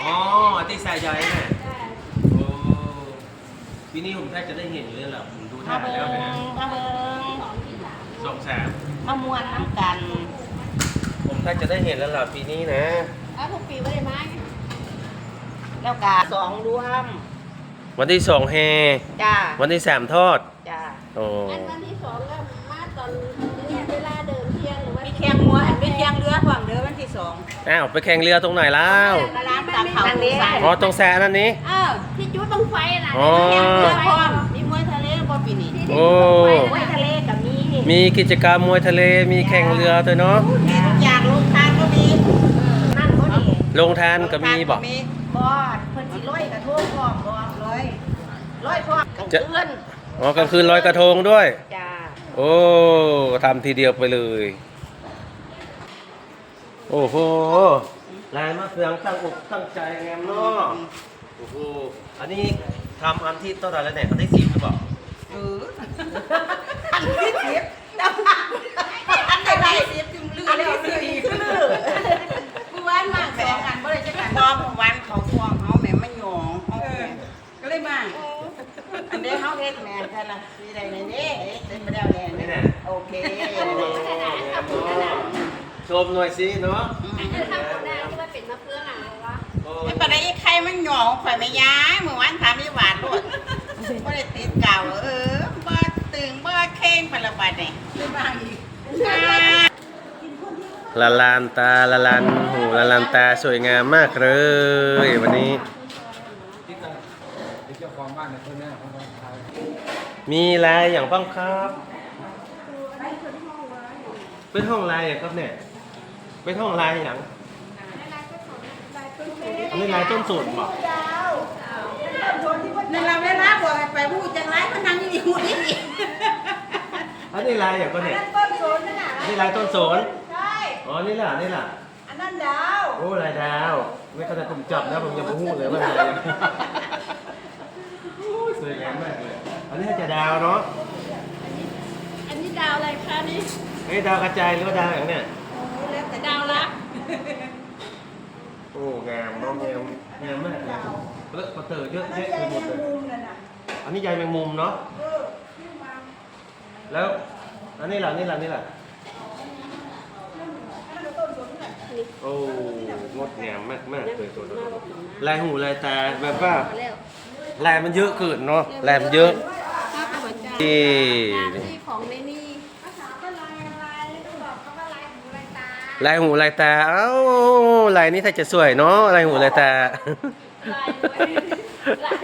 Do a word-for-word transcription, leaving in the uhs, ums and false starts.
อ๋อที่สายใยเนี่ยโอ้ปีนี้ผมแทบจะได้เห็นอยู่เลยแหละผมดูท่ามาแล้วเบิ่งนะมาเบิ่งสองสามมามวนน้ำกันผมแทบจะได้เห็นแล้วล่ะปีนี้นะอ้าวทุกปีไม่ได้มาไงแล้วกาสองรวมวันที่สองแฮจ้าวันที่สามทอดจ้าโอ้อันวันที่สองก็มาตอนเนี่ยเวลาเดินเที่ยงหรือว่ามีแข่งมัวอันเป็นแข่งเรือฝั่งเรือวันที่สองอ้าวไปแข่งเรือตรงไหนแล้วร้านตาเขานี้อ๋อตรงแซนั่นนี้เออที่จุดบังไฟน่ะอ๋อแข่งเรือพร้อมมีมวยทะเลบ่ปีนี้โอ้มวยทะเลกับมีมีกิจกรรมมวยทะเลมีแข่งเรือด้วยเนาะมีทุกอย่างลงทานก็มีนั่นก็ดีลงทานก็มีบอกมีบ่เพิ่นสิร้อยกระทงพร้อมบ่ร้อยร้อยพร้อมกลางคืนอ๋อกลางคืนลอยกระทงด้วยจ้าโอ้ทำทีเดียวไปเลย โอ้โหลายมะเฟืองตั้งอกตั้งใจแงมเนาะโอ้โหอันนี้ทำอันที่เท่าไหร่แล้วเนี่ยอันที่สิบหรือเปล่าเอออันที่สิบอันไหนสิบจึงลืออันที่สิบคือลือกูว่านมากสองอันบ่ได้จักอันพอวันเขาพวงเขาแม่มาหยองเขาก็เลยมาอันนี้เขาเฮ็ดแม่แค่ละมีอะไรในนี้เฮ็ดไปแล้วแน่นี่โอเคชมหน่อยสิเนาะอันนี้ทำคนได้ที่ว่าเป็นมะเฟืองอะไรวะโอ้ไอ้ปานนี้ใครมันหยองข่อยไม่ย้ายเมื่อวานถามนี่หวานโลดบ่ได้ติดเก่าเออบ่ตึงบ่เข่งไปละบาดนี่เลยมาอีกละลานตาละลานหูละลานตาสวยงามมากเลยวันนี้ มีลายอย่างบ้างครับ เป็นห้องลายอย่างครับเนี่ย เป็นห้องลายอย่างอันนี้ลายต้นสนบอกนั่นเราเวลาบ่ให้ไปพูดจังไรมันนั่งอยู่หูนี่อันนี้ลายอย่างก็เนี่ยต้นโซนนั่นน่ะอันนี้ลายต้นสนใช่อ๋อ นี่ล่ะ นี่ล่ะอันนั้นดาวโอ้ลายดาว ไม่เข้าใจผมจับนะผมยังไม่พูดเลยว่าลายอะไรโอ้ยสวยงามมากเลย อันนี้จะดาวเนาะอันนี้ดาวอะไรคะนี่เฮ้ยดาวกระจายหรือว่าดาวอย่างเนี้ยแล้วแต่ดาวละโอ้งามเน้องงามงามมากเลยเลอะกระเตอเยอะแยะไปหมดเลยอันนี้ใยแมงมุมเนาะแล้วอันนี้ล่ะนี่ล่ะนี่ล่ะโอ้งดงามมากมากเลยตัวนี้ลายหูลายตาแบบว่าลายมันเยอะเกินเนาะลายมันเยอะครับหัวใจที่งานที่ของในนี่ภาษาก็ลายลายต้องบอกเขาว่าลายหูลายตาลายหูลายตาเอ้าลายนี้ถ้าจะสวยเนาะลายหูลายตาลายด้วยลาย